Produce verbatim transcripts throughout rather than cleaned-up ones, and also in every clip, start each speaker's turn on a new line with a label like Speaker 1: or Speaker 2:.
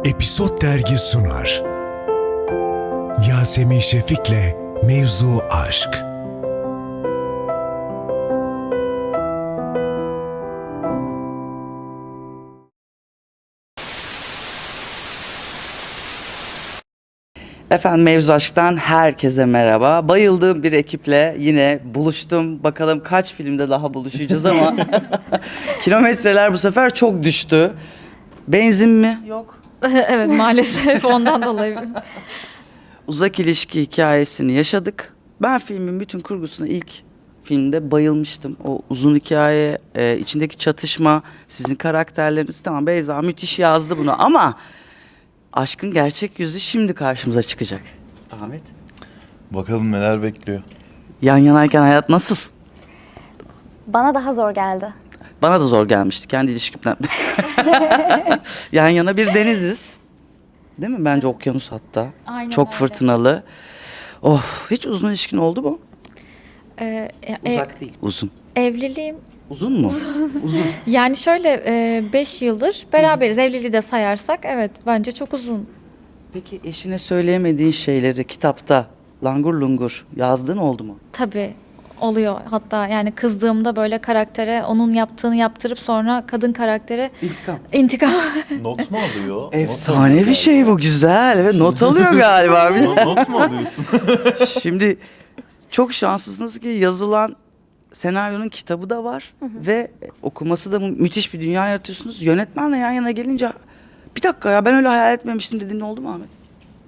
Speaker 1: Episod Dergi sunar. Yasemin Şefik'le Mevzu Aşk.
Speaker 2: Efendim Mevzu Aşk'tan herkese merhaba. Bayıldığım bir ekiple yine buluştum. Bakalım kaç filmde daha buluşacağız ama kilometreler bu sefer çok düştü. Benzin mi? Yok.
Speaker 3: Evet, maalesef ondan dolayı.
Speaker 2: Uzak ilişki hikayesini yaşadık. Ben filmin bütün kurgusuna ilk filmde bayılmıştım. O uzun hikaye, e, içindeki çatışma, sizin karakterleriniz, tamam Beyza müthiş yazdı bunu ama aşkın gerçek yüzü şimdi karşımıza çıkacak. Ahmet.
Speaker 4: Bakalım neler bekliyor.
Speaker 2: Yan yanayken hayat nasıl?
Speaker 5: Bana daha zor geldi.
Speaker 2: Bana da zor gelmişti kendi ilişkimden. Yan yana bir deniziz. Değil mi? Bence okyanus hatta.
Speaker 3: Aynen
Speaker 2: Çok
Speaker 3: öyle.
Speaker 2: fırtınalı. Of, hiç uzun ilişkin oldu mu?
Speaker 3: Ee, e-
Speaker 2: Uzak değil. Uzun.
Speaker 3: Evliliğim
Speaker 2: Uzun mu? Uzun.
Speaker 3: yani şöyle beş yıldır beraberiz. Evliliği de sayarsak evet bence çok uzun.
Speaker 2: Peki eşine söyleyemediğin şeyleri kitapta langur lungur yazdığın oldu mu?
Speaker 3: Tabii oluyor. Hatta yani kızdığımda böyle karaktere onun yaptığını yaptırıp sonra kadın karaktere
Speaker 2: İntikam.
Speaker 3: intikam.
Speaker 4: Not mu alıyor?
Speaker 2: Efsane bir şey bu, güzel. Evet, not alıyor galiba.
Speaker 4: Not, not mu alıyorsun?
Speaker 2: Şimdi çok şanslısınız ki yazılan senaryonun kitabı da var ve okuması da mü- müthiş bir dünya yaratıyorsunuz. Yönetmenle yan yana gelince bir dakika ya ben öyle hayal etmemiştim dediğin oldu mu Ahmet?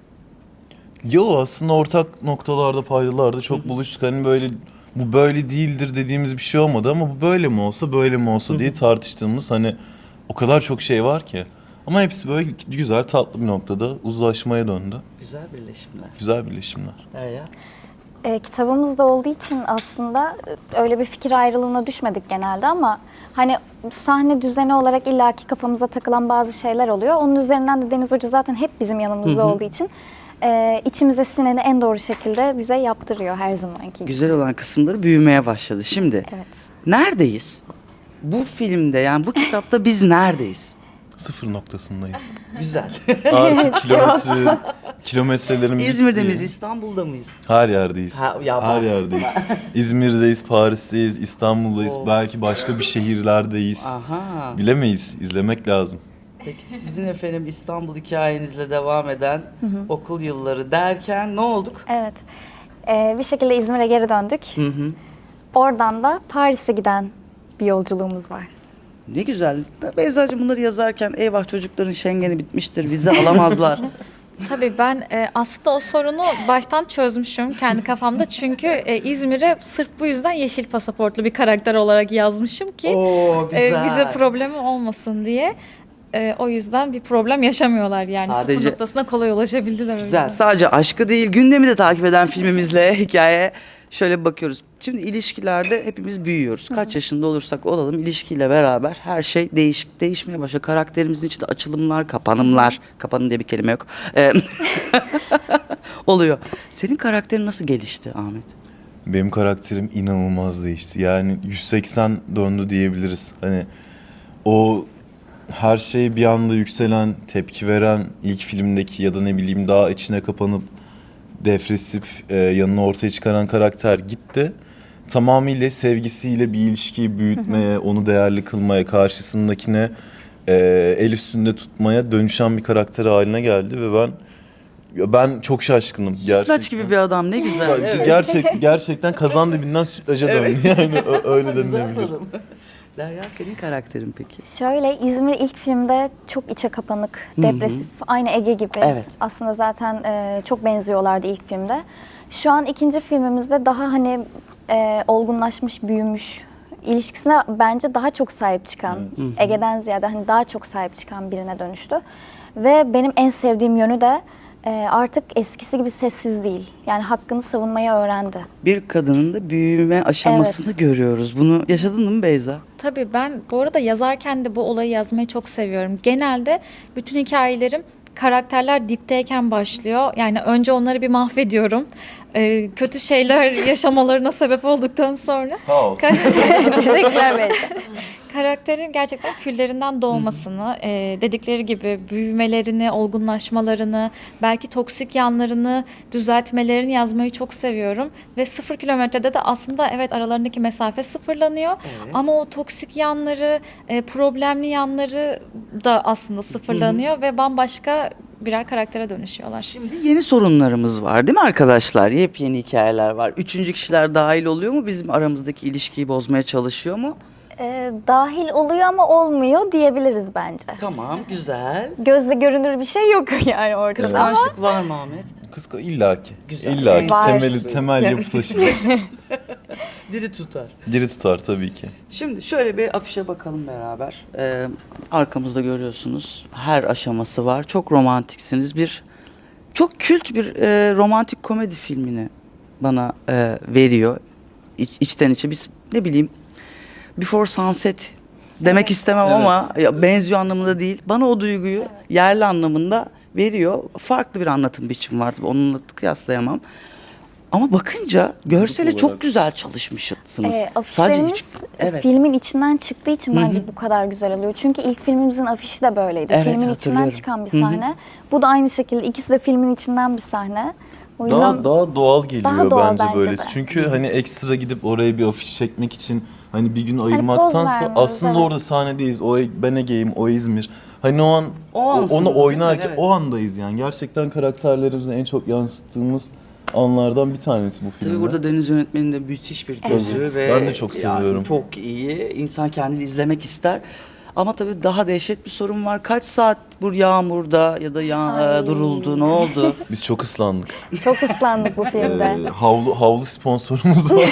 Speaker 4: Yo, aslında ortak noktalarda, paydalarda çok buluştuk. Hani böyle bu böyle değildir dediğimiz bir şey olmadı ama bu böyle mi olsa böyle mi olsa diye tartıştığımız hani o kadar çok şey var ki. Ama hepsi böyle güzel tatlı bir noktada uzlaşmaya döndü.
Speaker 2: Güzel birleşimler.
Speaker 4: Güzel birleşimler.
Speaker 2: Derya.
Speaker 5: E, kitabımızda olduğu için aslında e, öyle bir fikir ayrılığına düşmedik genelde ama hani sahne düzeni olarak illaki kafamıza takılan bazı şeyler oluyor. Onun üzerinden de Deniz Hoca zaten hep bizim yanımızda olduğu için e, içimize sineni en doğru şekilde bize yaptırıyor her zamanki gibi.
Speaker 2: Güzel olan kısımları büyümeye başladı. Şimdi
Speaker 5: Evet.
Speaker 2: neredeyiz? Bu filmde yani bu kitapta biz neredeyiz?
Speaker 4: Sıfır noktasındayız.
Speaker 2: Güzel.
Speaker 4: Artık kilometre, kilometrelerin
Speaker 2: İzmir'de
Speaker 4: bittiği-
Speaker 2: miyiz, İstanbul'da mıyız?
Speaker 4: Her yerdeyiz.
Speaker 2: Ha, ya
Speaker 4: Her
Speaker 2: bak.
Speaker 4: yerdeyiz. İzmir'deyiz, Paris'teyiz, İstanbul'dayız.
Speaker 2: Of.
Speaker 4: Belki başka bir şehirlerdeyiz.
Speaker 2: Aha.
Speaker 4: Bilemeyiz. İzlemek lazım.
Speaker 2: Peki sizin efendim İstanbul hikayenizle devam eden okul yılları derken ne olduk?
Speaker 5: Evet. E, bir şekilde İzmir'e geri döndük.
Speaker 2: Hı hı.
Speaker 5: Oradan da Paris'e giden bir yolculuğumuz var.
Speaker 2: Ne güzel. Beyzacığım bunları yazarken eyvah çocukların Schengen'i bitmiştir, vize alamazlar.
Speaker 3: Tabii ben e, aslında o sorunu baştan çözmüşüm kendi kafamda. Çünkü e, İzmir'e sırf bu yüzden yeşil pasaportlu bir karakter olarak yazmışım ki
Speaker 2: Oo
Speaker 3: e,
Speaker 2: güzel.
Speaker 3: bize problemi olmasın diye. E, o yüzden bir problem yaşamıyorlar yani.
Speaker 2: Sadece-
Speaker 3: Sıfır noktasına kolay ulaşabildiler. o
Speaker 2: Güzel.
Speaker 3: yüzden.
Speaker 2: Sadece aşkı değil, gündemi de takip eden filmimizle hikaye şöyle bir bakıyoruz. Şimdi ilişkilerde hepimiz büyüyoruz. Kaç yaşında olursak olalım ilişkiyle beraber her şey değişik değişmeye başlıyor. Karakterimizin içinde açılımlar, kapanımlar, kapanım diye bir kelime yok. Ee, oluyor. Senin karakterin nasıl gelişti Ahmet?
Speaker 4: Benim karakterim inanılmaz değişti. Yani yüz seksen döndü diyebiliriz. Hani o her şey bir anda yükselen, tepki veren ilk filmdeki ya da ne bileyim daha içine kapanıp depresif e, yanını ortaya çıkaran karakter gitti. Tamamıyla sevgisiyle bir ilişkiyi büyütmeye, onu değerli kılmaya, karşısındakine e, el üstünde tutmaya dönüşen bir karakter haline geldi ve ben ya ben çok şaşkınım gerçekten.
Speaker 2: Sütlaç gibi bir adam, ne güzel.
Speaker 4: Ya,
Speaker 2: Evet.
Speaker 4: Gerçek gerçekten kazan dibinden sütlaca döndü yani ö- öyle
Speaker 2: Güzel
Speaker 4: denilebilir.
Speaker 2: tanım. Derya senin karakterin peki?
Speaker 5: Şöyle İzmir ilk filmde çok içe kapanık, depresif, aynı Ege gibi.
Speaker 2: Evet.
Speaker 5: Aslında zaten e, çok benziyorlardı ilk filmde. Şu an ikinci filmimizde daha hani e, olgunlaşmış, büyümüş, ilişkisine bence daha çok sahip çıkan, Ege'den ziyade hani daha çok sahip çıkan birine dönüştü. Ve benim en sevdiğim yönü de e, artık eskisi gibi sessiz değil. Yani hakkını savunmayı öğrendi.
Speaker 2: Bir kadının da büyüme aşamasını görüyoruz. Bunu yaşadın mı Beyza?
Speaker 3: Tabii ben bu arada yazarken de bu olayı yazmayı çok seviyorum. Genelde bütün hikayelerim karakterler dipteyken başlıyor. Yani önce onları bir mahvediyorum. e, kötü şeyler yaşamalarına sebep olduktan sonra
Speaker 4: Sağ ol.
Speaker 5: Teşekkürler Beyza.
Speaker 3: karakterin gerçekten küllerinden doğmasını, e, dedikleri gibi büyümelerini, olgunlaşmalarını, belki toksik yanlarını düzeltmelerini yazmayı çok seviyorum. Ve sıfır kilometrede de aslında evet aralarındaki mesafe sıfırlanıyor.
Speaker 2: Evet.
Speaker 3: Ama o toksik yanları, e, problemli yanları da aslında sıfırlanıyor ve bambaşka birer karaktere dönüşüyorlar.
Speaker 2: Şimdi yeni sorunlarımız var değil mi arkadaşlar? Yepyeni hikayeler var. Üçüncü kişiler dahil oluyor mu? Bizim aramızdaki ilişkiyi bozmaya çalışıyor mu?
Speaker 5: Ee, dahil oluyor ama olmuyor diyebiliriz bence.
Speaker 2: Tamam, güzel.
Speaker 5: Gözle görünür bir şey yok yani ortada.
Speaker 2: Kıskançlık var mı Ahmet?
Speaker 4: Kıska illaki.
Speaker 2: Güzel.
Speaker 4: İllaki
Speaker 5: Var.
Speaker 4: temeli temel yapı taşıdır.
Speaker 2: Diri tutar.
Speaker 4: Diri tutar tabii ki.
Speaker 2: Şimdi şöyle bir afişe bakalım beraber. Ee, arkamızda görüyorsunuz. Her aşaması var. Çok romantiksiniz. Bir çok kült bir e, romantik komedi filmini bana e, veriyor. İç, içten içe biz ne bileyim Before Sunset demek
Speaker 5: Evet.
Speaker 2: istemem
Speaker 4: Evet.
Speaker 2: ama ya, benziyor anlamında değil. Bana o duyguyu yerli anlamında veriyor. Farklı bir anlatım biçimi var. Onunla kıyaslayamam. Ama bakınca görsele
Speaker 4: olarak.
Speaker 2: çok güzel çalışmışsınız.
Speaker 5: Ee, afişlerimiz
Speaker 2: iç- evet.
Speaker 5: filmin içinden çıktığı için
Speaker 2: Hı hı.
Speaker 5: bence bu kadar güzel oluyor. Çünkü ilk filmimizin afişi de böyleydi.
Speaker 2: Evet,
Speaker 5: filmin içinden
Speaker 2: hatırlıyorum.
Speaker 5: çıkan bir
Speaker 2: Hı hı.
Speaker 5: sahne. Bu da aynı şekilde ikisi de filmin içinden bir sahne. O yüzden
Speaker 4: Daha daha doğal geliyor
Speaker 5: Daha doğal
Speaker 4: bence
Speaker 5: bence
Speaker 4: böylesi.
Speaker 5: de.
Speaker 4: Çünkü hani ekstra gidip oraya bir afiş çekmek için hani bir gün ayırmaktansa
Speaker 5: vermiyoruz,
Speaker 4: aslında
Speaker 5: evet.
Speaker 4: orada sahnedeyiz. O ben Ege'yim, o İzmir. Hani o an
Speaker 2: O
Speaker 4: o-
Speaker 2: ansınız,
Speaker 4: onu
Speaker 2: değil mi?
Speaker 4: oynarken
Speaker 2: Evet.
Speaker 4: o andayız yani. Gerçekten karakterlerimizin en çok yansıttığımız anlardan bir tanesi bu filmde.
Speaker 2: Tabii burada Deniz yönetmenin de müthiş bir gözü
Speaker 4: Evet,
Speaker 2: ve
Speaker 4: ben de çok
Speaker 2: yani
Speaker 4: seviyorum.
Speaker 2: çok iyi. İnsan kendini izlemek ister. Ama tabii daha dehşet bir sorun var. Kaç saat bu yağmurda ya da yağ,
Speaker 5: Ay.
Speaker 2: duruldu, ne oldu?
Speaker 4: Biz çok ıslandık.
Speaker 5: çok ıslandık bu filmde.
Speaker 4: Ee, havlu havlu sponsorumuz var.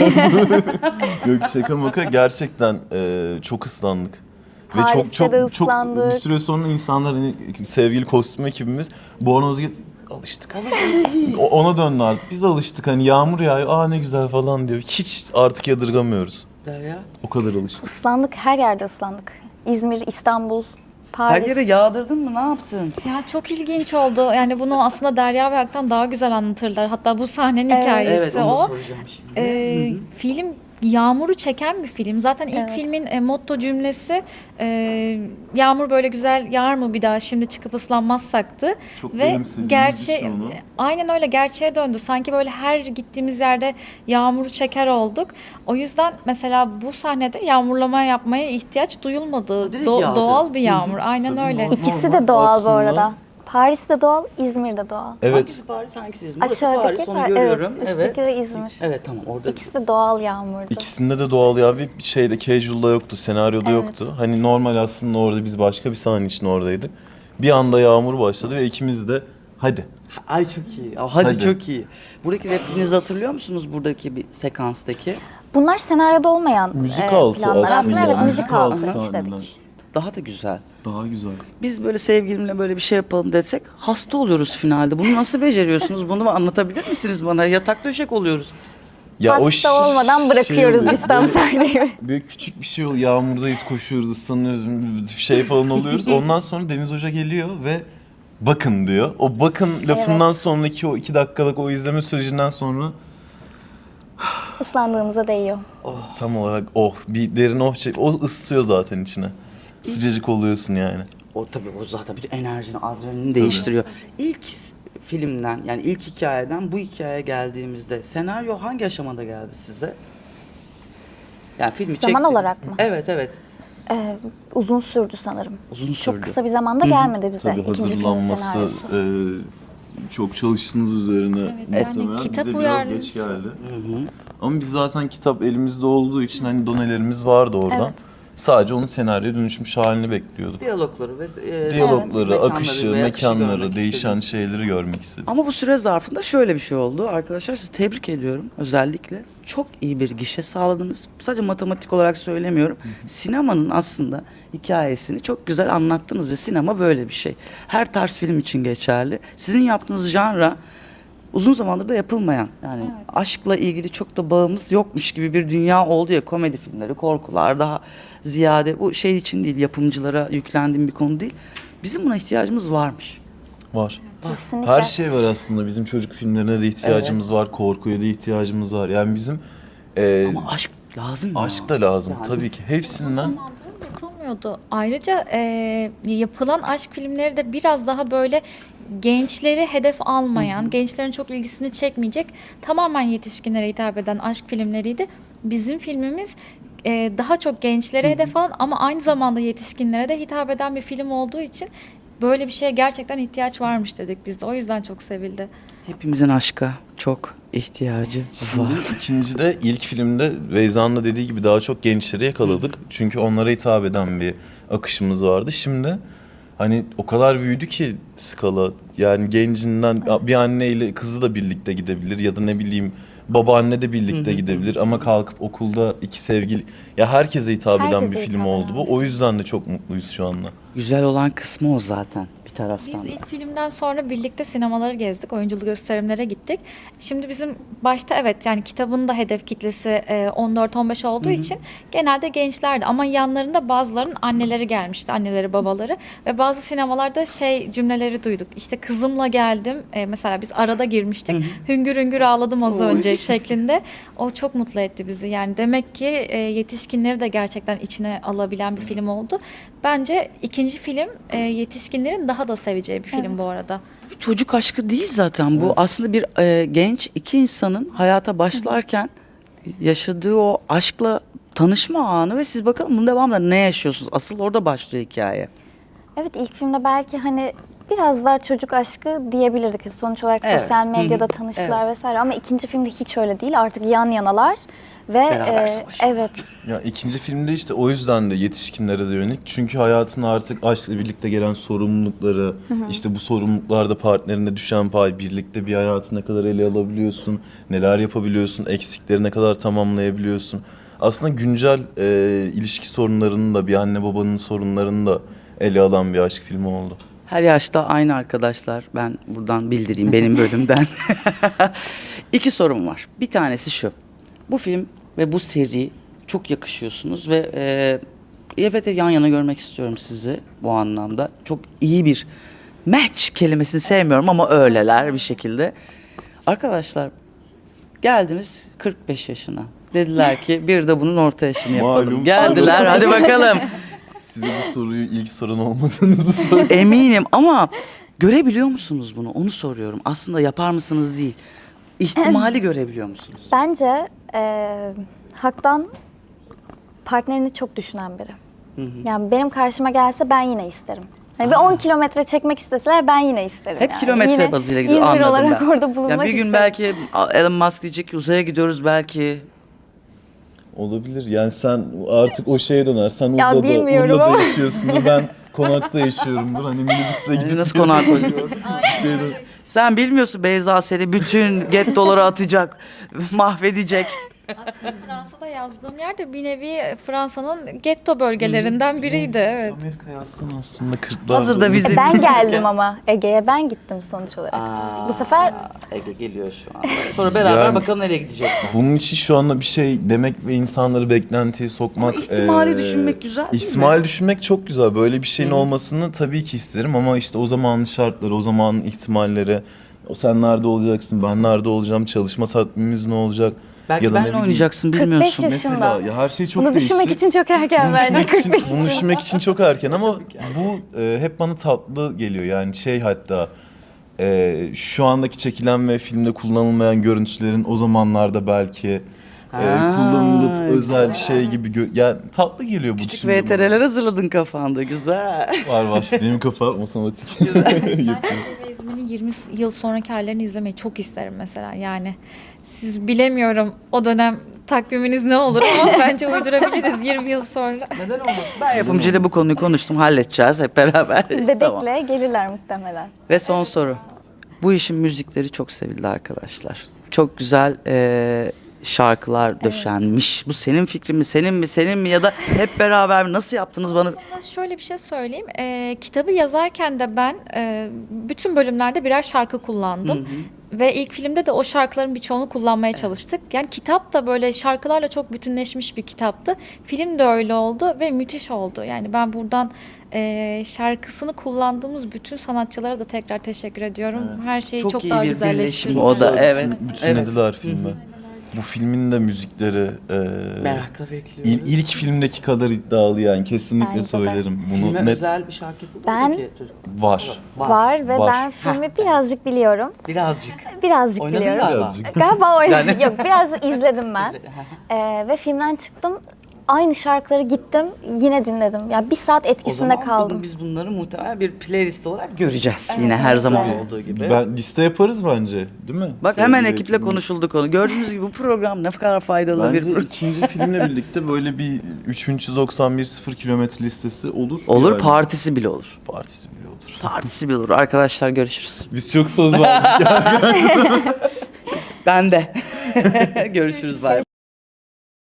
Speaker 4: Yok şaka maka gerçekten e, çok ıslandık. Ve çok
Speaker 5: Paris'te
Speaker 4: çok
Speaker 5: de
Speaker 4: çok
Speaker 5: ıslandık.
Speaker 4: bir süre sonra insanlar hani sevgili kostüm ekibimiz Bornoz'a git alıştık. O- Ona döndü artık. Biz alıştık hani yağmur yağıyor. Aa ne güzel falan diyor. Hiç artık yadırgamıyoruz.
Speaker 2: Derya.
Speaker 4: O kadar alıştık.
Speaker 5: Islandık, her yerde ıslandık. İzmir, İstanbul,
Speaker 2: Her
Speaker 5: Paris.
Speaker 2: yere yağdırdın mı? Ne yaptın?
Speaker 3: Ya çok ilginç oldu. Yani bunu aslında Derya ve Aktan daha güzel anlatırlar. Hatta bu sahnenin
Speaker 5: Evet.
Speaker 3: hikayesi
Speaker 2: Evet, onu
Speaker 3: o.
Speaker 2: soracağım şimdi.
Speaker 3: Ee, film yağmuru çeken bir film. Zaten ilk
Speaker 5: Evet.
Speaker 3: filmin e, motto cümlesi e, yağmur böyle güzel yağar mı bir daha şimdi çıkıp ıslanmazsaktı.
Speaker 4: Çok
Speaker 3: Ve
Speaker 4: benimsediğimiz
Speaker 3: gerçe
Speaker 4: için onu.
Speaker 3: aynen öyle gerçeğe döndü. Sanki böyle her gittiğimiz yerde yağmuru çeker olduk. O yüzden mesela bu sahnede yağmurlama yapmaya ihtiyaç duyulmadı.
Speaker 2: Direkt
Speaker 3: Do-
Speaker 2: yağdı.
Speaker 3: doğal bir yağmur. Aynen
Speaker 4: Tabii,
Speaker 3: öyle.
Speaker 4: normal.
Speaker 5: İkisi de doğal bu
Speaker 4: Aslında-
Speaker 5: arada. Paris de doğal, İzmir de doğal.
Speaker 4: Evet.
Speaker 2: Hangisi Paris, hangisi İzmir? Burası
Speaker 5: Aşağıdaki
Speaker 2: Paris, onu
Speaker 5: Par-
Speaker 2: görüyorum.
Speaker 5: evet,
Speaker 2: Evet.
Speaker 5: üstteki de İzmir.
Speaker 2: Evet, tamam orada.
Speaker 5: İkisi de doğal yağmurdu.
Speaker 4: İkisinde de doğal ya bir şeyde casual'da yoktu, senaryoda
Speaker 5: Evet.
Speaker 4: yoktu. Hani normal aslında orada biz başka bir sahne için oradaydık. Bir anda yağmur başladı ve ikimiz de hadi.
Speaker 2: Ay çok iyi. Aa, Hadi,
Speaker 4: Hadi.
Speaker 2: çok iyi. Buradaki repliğinizi hatırlıyor musunuz buradaki bir sekanstaki?
Speaker 5: Bunlar senaryoda olmayan
Speaker 4: Müzik
Speaker 5: e,
Speaker 4: altı
Speaker 5: planlar.
Speaker 4: aslında.
Speaker 5: Aslında evet
Speaker 2: Müzik
Speaker 5: müzik
Speaker 2: altı
Speaker 5: altı
Speaker 4: sahneler.
Speaker 5: işledik.
Speaker 2: Daha da güzel.
Speaker 4: Daha güzel.
Speaker 2: Biz böyle sevgilimle böyle bir şey yapalım desek hasta oluyoruz finalde. Bunu nasıl beceriyorsunuz? Bunu anlatabilir misiniz bana? Yatak döşek oluyoruz.
Speaker 5: Hasta
Speaker 4: ş-
Speaker 5: olmadan bırakıyoruz
Speaker 4: şey
Speaker 5: biz tam sahneyi.
Speaker 4: Böyle küçük bir şey oluyor. Yağmurdayız, koşuyoruz, ıslanıyoruz, şey falan oluyoruz. Ondan sonra Deniz Hoca geliyor ve bakın diyor. O bakın lafından sonraki o iki dakikalık o izleme sürecinden sonra
Speaker 5: Islandığımıza değiyor.
Speaker 4: tam olarak oh bir derin oh çek. O ısıtıyor zaten içine. Sıcacık oluyorsun yani.
Speaker 2: O tabii o zaten bütün enerjini, adrenalini değiştiriyor. İlk filmden yani ilk hikayeden bu hikayeye geldiğimizde senaryo hangi aşamada geldi size? Yani filmi
Speaker 5: Zaman
Speaker 2: çektiniz.
Speaker 5: olarak mı?
Speaker 2: Evet evet.
Speaker 5: Ee, uzun sürdü sanırım.
Speaker 2: Uzun sürdü.
Speaker 5: Çok kısa bir zamanda gelmedi bize
Speaker 4: Tabii
Speaker 5: ikinci filmin
Speaker 4: hazırlanması,
Speaker 5: senaryosu.
Speaker 4: e, çok çalıştınız üzerine.
Speaker 3: Evet, yani
Speaker 4: muhtemelen.
Speaker 3: kitap
Speaker 4: Bize biraz geç
Speaker 3: uyarlaması.
Speaker 4: geldi.
Speaker 2: Hı hı.
Speaker 4: Ama biz zaten kitap elimizde olduğu için hani donelerimiz vardı oradan.
Speaker 5: Evet.
Speaker 4: Sadece onun senaryoya dönüşmüş halini bekliyorduk.
Speaker 2: Diyalogları ve e,
Speaker 4: Diyalogları,
Speaker 2: mekanları
Speaker 4: akışı,
Speaker 2: ve akışı
Speaker 4: mekanları,
Speaker 2: görmek
Speaker 4: değişen
Speaker 2: istediniz.
Speaker 4: şeyleri görmek istedik.
Speaker 2: Ama bu süre zarfında şöyle bir şey oldu. Arkadaşlar sizi tebrik ediyorum özellikle. Çok iyi bir gişe sağladınız. Sadece matematik olarak söylemiyorum. Sinemanın aslında hikayesini çok güzel anlattınız ve sinema böyle bir şey. Her tarz film için geçerli. Sizin yaptığınız janra uzun zamandır da yapılmayan yani aşkla ilgili çok da bağımız yokmuş gibi bir dünya oldu ya, komedi filmleri, korkular daha ziyade bu şey için değil, yapımcılara yüklendiğim bir konu değil. Bizim buna ihtiyacımız varmış.
Speaker 4: Var.
Speaker 5: Kesinlikle.
Speaker 4: Her şey var aslında. Bizim çocuk filmlerine de ihtiyacımız var. Korkuya da ihtiyacımız var. Yani bizim e,
Speaker 2: Ama aşk lazım ya.
Speaker 4: aşk da lazım
Speaker 2: Yani.
Speaker 4: tabii ki. Hepsinden.
Speaker 3: Yapılmıyordu. Ayrıca e, yapılan aşk filmleri de biraz daha böyle gençleri hedef almayan, gençlerin çok ilgisini çekmeyecek, tamamen yetişkinlere hitap eden aşk filmleriydi. Bizim filmimiz e, daha çok gençlere hedef alan ama aynı zamanda yetişkinlere de hitap eden bir film olduğu için böyle bir şeye gerçekten ihtiyaç varmış dedik biz de. O yüzden çok sevildi.
Speaker 2: Hepimizin aşka çok ihtiyacı var.
Speaker 4: Şimdi ikincide ilk filmde Beyza'nın da dediği gibi daha çok gençleri yakaladık. Çünkü onlara hitap eden bir akışımız vardı. Şimdi hani o kadar büyüdü ki skala. Yani gencinden bir anneyle kızı da birlikte gidebilir ya da ne bileyim babaanne de birlikte gidebilir ama kalkıp okulda iki sevgili ya herkese hitap eden
Speaker 5: Herkese
Speaker 4: bir film
Speaker 5: hitap
Speaker 4: oldu
Speaker 5: eden.
Speaker 4: bu. O yüzden de çok mutluyuz şu anda.
Speaker 2: Güzel olan kısmı o zaten bir
Speaker 3: Biz
Speaker 2: taraftan da.
Speaker 3: ilk filmden sonra birlikte sinemaları gezdik, oyunculu gösterimlere gittik. Şimdi bizim başta evet yani kitabın da hedef kitlesi e, on dört on beş olduğu için genelde gençlerdi ama yanlarında bazılarının anneleri gelmişti, anneleri babaları ve bazı sinemalarda şey cümleleri duyduk. İşte kızımla geldim, e, mesela biz arada girmiştik, hüngür hüngür ağladım az
Speaker 2: Oy.
Speaker 3: önce şeklinde. O çok mutlu etti bizi yani demek ki e, yetişkinleri de gerçekten içine alabilen bir film oldu. Bence ikinci film e, yetişkinlerin daha da seveceği bir film
Speaker 5: Evet.
Speaker 3: bu arada.
Speaker 2: Bir çocuk aşkı değil zaten bu. Aslında bir e, genç iki insanın hayata başlarken yaşadığı o aşkla tanışma anı ve siz bakalım bunun devamında ne yaşıyorsunuz? Asıl orada başlıyor hikaye.
Speaker 5: Evet, ilk filmde belki hani biraz daha çocuk aşkı diyebilirdik. Sonuç olarak
Speaker 2: Evet.
Speaker 5: sosyal medyada
Speaker 2: Hı hı.
Speaker 5: tanıştılar vesaire ama ikinci filmde hiç öyle değil. Artık yan yanalar ve
Speaker 2: Beraber
Speaker 5: e,
Speaker 2: savaşıyorlar.
Speaker 5: evet.
Speaker 4: Ya ikinci filmde işte o yüzden de yetişkinlere de yönelik. Çünkü hayatın artık aşkla birlikte gelen sorumlulukları, işte bu sorumluluklarda partnerine düşen pay, birlikte bir hayatı ne kadar ele alabiliyorsun, neler yapabiliyorsun, eksikleri ne kadar tamamlayabiliyorsun. Aslında güncel e, ilişki sorunlarını da bir anne babanın sorunlarını da ele alan bir aşk filmi oldu.
Speaker 2: Her yaşta aynı arkadaşlar. Ben buradan bildireyim benim bölümden. İki sorum var. Bir tanesi şu. Bu film ve bu seri çok yakışıyorsunuz ve e, evet yan yana görmek istiyorum sizi bu anlamda. Çok iyi bir match kelimesini sevmiyorum ama öyleler bir şekilde. Arkadaşlar geldiniz kırk beş yaşına. Dediler ki bir de bunun orta yaşını yapalım.
Speaker 4: Malum.
Speaker 2: Geldiler hadi bakalım.
Speaker 4: Size bu soruyu ilk soran olmadığınızı söyleyeyim.
Speaker 2: Eminim ama görebiliyor musunuz bunu? Onu soruyorum. Aslında yapar mısınız değil. İhtimali görebiliyor musunuz?
Speaker 5: Bence e, Hak'tan partnerini çok düşünen biri. Yani benim karşıma gelse ben yine isterim. Hani bir on kilometre çekmek isteseler ben yine isterim.
Speaker 2: Hep
Speaker 5: yani.
Speaker 2: kilometre
Speaker 5: Yine
Speaker 2: bazıyla gidiyor.
Speaker 5: İzmir
Speaker 2: Anladım
Speaker 5: olarak
Speaker 2: ben.
Speaker 5: orada bulunmak
Speaker 2: Ya bir gün
Speaker 5: isterim.
Speaker 2: belki Elon Musk diyecek ki uzaya gidiyoruz belki.
Speaker 4: Olabilir. Yani sen artık o şeye döner. Sen
Speaker 5: Ya
Speaker 4: Urla'da,
Speaker 5: bilmiyorum
Speaker 4: Urla'da
Speaker 5: ama.
Speaker 4: yaşıyorsundur. Ben konakta yaşıyorumdur. Hani minibüsle
Speaker 2: Yani
Speaker 4: gidip
Speaker 2: nasıl konağa koyuyor?
Speaker 4: şeyden...
Speaker 2: Sen bilmiyorsun Beyza seni bütün gettoları atacak, mahvedecek.
Speaker 3: Aslında Fransa'da yazdığım yer de bir nevi Fransa'nın getto bölgelerinden biriydi. Evet.
Speaker 4: Amerika yazsın aslında kırklar.
Speaker 2: Hazır da vize-
Speaker 5: Ben
Speaker 2: bizim-
Speaker 5: geldim ama Ege'ye ben gittim sonuç olarak. Bu sefer
Speaker 2: Ege geliyor şu anda. Sonra beraber
Speaker 4: Yani-
Speaker 2: bakalım nereye gidecek.
Speaker 4: Bunun için şu anda bir şey demek ve insanları beklentiye sokmak...
Speaker 2: Ama ihtimali
Speaker 4: eee,
Speaker 2: düşünmek güzel değil mi?
Speaker 4: İhtimali düşünmek çok güzel. Böyle bir şeyin olmasını tabii ki isterim ama işte o zamanın şartları, o zamanın ihtimalleri... O sen nerede olacaksın, ben nerede olacağım, çalışma takvimimiz ne olacak?
Speaker 2: Belki
Speaker 4: ya da ne
Speaker 2: benle
Speaker 4: bileyim.
Speaker 2: oynayacaksın
Speaker 5: kırk beş
Speaker 2: bilmiyorsun.
Speaker 5: yaşında.
Speaker 4: Mesela ya her şey çok
Speaker 5: bunu
Speaker 4: değişti.
Speaker 5: düşünmek için çok erken bence.
Speaker 4: Düşünmek
Speaker 5: kırk
Speaker 4: için-
Speaker 5: beş
Speaker 4: bunu
Speaker 5: yaşında.
Speaker 4: düşünmek için çok erken ama bu e, hep bana tatlı geliyor. Yani şey hatta e, şu andaki çekilen ve filmde kullanılmayan görüntülerin o zamanlarda belki e,
Speaker 2: Ha,
Speaker 4: kullanılıp özel
Speaker 2: güzel.
Speaker 4: şey gibi gö- yani tatlı geliyor bu
Speaker 2: Küçük
Speaker 4: düşündüğüm
Speaker 2: V T R'ler hazırladın kafanda güzel.
Speaker 4: zaman. Var var. Benim kafa matematik.
Speaker 3: Ben Ege ve İzmir'in yirmi yıl sonraki hallerini izlemeyi çok isterim mesela. Yani siz bilemiyorum o dönem takviminiz ne olur ama bence uydurabiliriz yirmi yıl sonra.
Speaker 2: Neden olmasın? Ben yapımcıyla bu konuyu konuştum. Halledeceğiz hep beraber.
Speaker 5: Bebekle
Speaker 2: Tamam.
Speaker 5: gelirler muhtemelen.
Speaker 2: Ve son soru. Bu işin müzikleri çok sevildi arkadaşlar. Çok güzel e, şarkılar döşenmiş. Bu senin fikrin mi, senin mi, senin mi ya da hep beraber mi? Nasıl yaptınız bana?
Speaker 3: Aslında şöyle bir şey söyleyeyim. Ee, kitabı yazarken de ben e, bütün bölümlerde birer şarkı kullandım. Ve ilk filmde de o şarkıların birçoğunu kullanmaya çalıştık. Yani kitap da böyle şarkılarla çok bütünleşmiş bir kitaptı. Film de öyle oldu ve müthiş oldu. Yani ben buradan e, şarkısını kullandığımız bütün sanatçılara da tekrar teşekkür ediyorum. Her şeyi
Speaker 2: Çok
Speaker 3: çok,
Speaker 2: iyi
Speaker 3: daha
Speaker 2: bir
Speaker 3: güzelleştirdi.
Speaker 2: birleşim o da,
Speaker 4: Güzel
Speaker 2: evet,
Speaker 4: bütün- Bütünlediler
Speaker 2: evet.
Speaker 4: filmi. Bu filmin de müzikleri e,
Speaker 2: Merakla bekliyoruz.
Speaker 4: il- ilk filmdeki kadar iddialı yani kesinlikle
Speaker 5: Bence de.
Speaker 4: söylerim.
Speaker 2: Filme
Speaker 4: Bunu net
Speaker 2: özel bir şarkı yapıldı
Speaker 5: Ben-
Speaker 2: mı peki çocuk?
Speaker 4: var.
Speaker 5: Var, ve
Speaker 4: Var.
Speaker 5: ben filmi birazcık biliyorum.
Speaker 2: Birazcık.
Speaker 5: Birazcık
Speaker 2: Oynadın
Speaker 5: biliyorum.
Speaker 2: galiba.
Speaker 4: Birazcık.
Speaker 5: Galiba oynadım.
Speaker 2: Yani-
Speaker 5: Yok, biraz izledim ben. Ee, ve filmden çıktım. Aynı şarkıları gittim, yine dinledim. Ya bir saat
Speaker 2: O
Speaker 5: etkisinde
Speaker 2: zaman
Speaker 5: kaldım.
Speaker 2: bunu, biz bunları muhtemelen bir playlist olarak göreceğiz.
Speaker 5: Evet,
Speaker 2: Yine her zaman
Speaker 5: kesinlikle.
Speaker 2: olduğu gibi.
Speaker 4: Ben liste yaparız bence, değil mi?
Speaker 2: Bak hemen
Speaker 4: Sevgili
Speaker 2: ekiple
Speaker 4: ekibimiz.
Speaker 2: konuşuldu konu. Gördüğünüz gibi bu program ne kadar faydalı bir
Speaker 4: Bence
Speaker 2: program.
Speaker 4: ikinci filmle birlikte böyle bir üç bin üç yüz doksan bir sıfır kilometre listesi olur.
Speaker 2: Olur,
Speaker 4: Yani
Speaker 2: partisi bile olur.
Speaker 4: partisi bile olur.
Speaker 2: Partisi bile olur. Arkadaşlar görüşürüz.
Speaker 4: Biz çok söz verdik.
Speaker 2: Ben de. Görüşürüz bay bay.